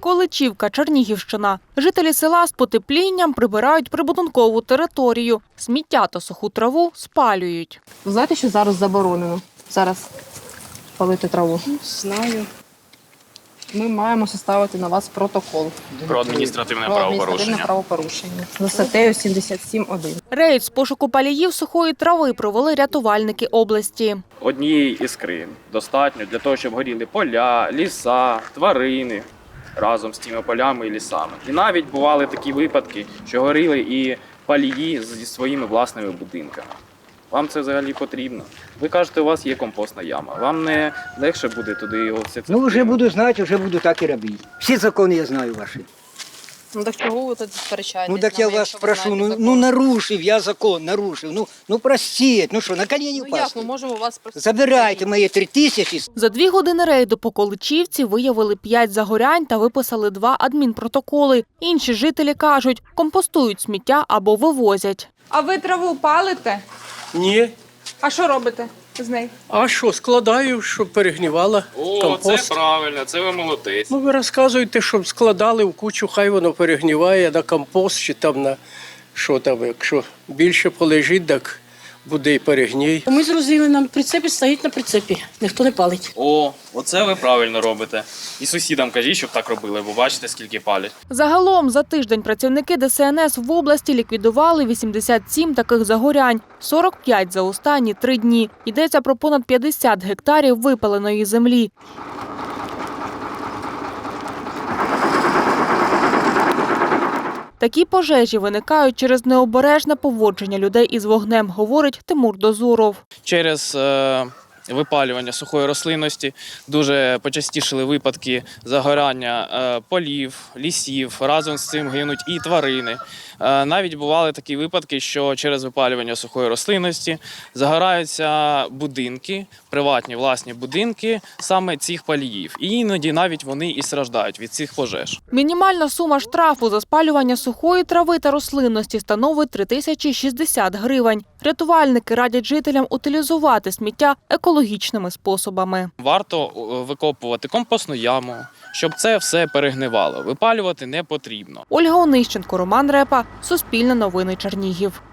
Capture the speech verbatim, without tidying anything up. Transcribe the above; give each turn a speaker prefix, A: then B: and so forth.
A: Поколичівка, Чернігівщина. Жителі села з потеплінням прибирають прибудинкову територію. Сміття та суху траву спалюють.
B: Ви знаєте, що зараз заборонено? Зараз палити траву?
C: Знаю.
B: Ми маємо составити на вас протокол.
D: Про адміністративне
B: Про адміністративне
D: правопорушення.
B: правопорушення. За статтею сімдесят сім один.
A: Рейд з пошуку паліїв сухої трави провели рятувальники області.
D: Однієї іскри достатньо для того, щоб горіли поля, ліса, тварини разом з тими полями і лісами. І навіть бували такі випадки, що горіли і палії зі своїми власними будинками. Вам це взагалі потрібно? Ви кажете, у вас є компостна яма. Вам не легше буде туди його все це?
E: Ну, вже буду знати, вже буду так і робити. Всі закони я знаю ваші.
B: Ну так чого ви тут сперечаєтесь?
E: Ну так я вас прошу, ну, ну нарушив я закон, нарушив. Ну, ну простіть, ну що, на коліні
B: Ну як,
E: впасти?
B: ми можемо вас просто...
E: Забирайте мої три тисячі.
A: За дві години рейду по Количівці виявили п'ять загорянь та виписали два адмінпротоколи. Інші жителі кажуть, компостують сміття або вивозять.
F: А ви траву палите?
C: Ні.
F: А що робите з нею?
C: А що, складаю, щоб перегнівала
D: О,
C: компост.
D: це правильно, це ви молодець.
C: Ну, ви розказуєте, щоб складали в кучу, хай воно перегніває на компост чи там на що там, якщо більше полежить, так буде і перегній.
G: Ми зрозуміли, на прицепі стоїть на прицепі, ніхто не палить.
D: О, оце ви правильно робите. І сусідам кажіть, щоб так робили, бо бачите, скільки палять.
A: Загалом за тиждень працівники Де Се Ен Ес в області ліквідували вісімдесят сім таких загорянь, сорок п'ять за останні три дні. Йдеться про понад п'ятдесят гектарів випаленої землі. Такі пожежі виникають через необережне поводження людей із вогнем, говорить Тимур Дозуров.
D: Через е, випалювання сухої рослинності дуже почастішили випадки загорання е, полів, лісів, разом з цим гинуть і тварини. Е, навіть бували такі випадки, що через випалювання сухої рослинності загораються будинки, приватні власні будинки саме цих паліїв. І іноді навіть вони і страждають від цих пожеж.
A: Мінімальна сума штрафу за спалювання сухої трави та рослинності становить три тисячі шістдесят гривень. Рятувальники радять жителям утилізувати сміття екологічними способами.
D: Варто викопувати компостну яму, щоб це все перегнивало. Випалювати не потрібно.
A: Ольга Онищенко, Роман Репа, Суспільне новини Чернігів.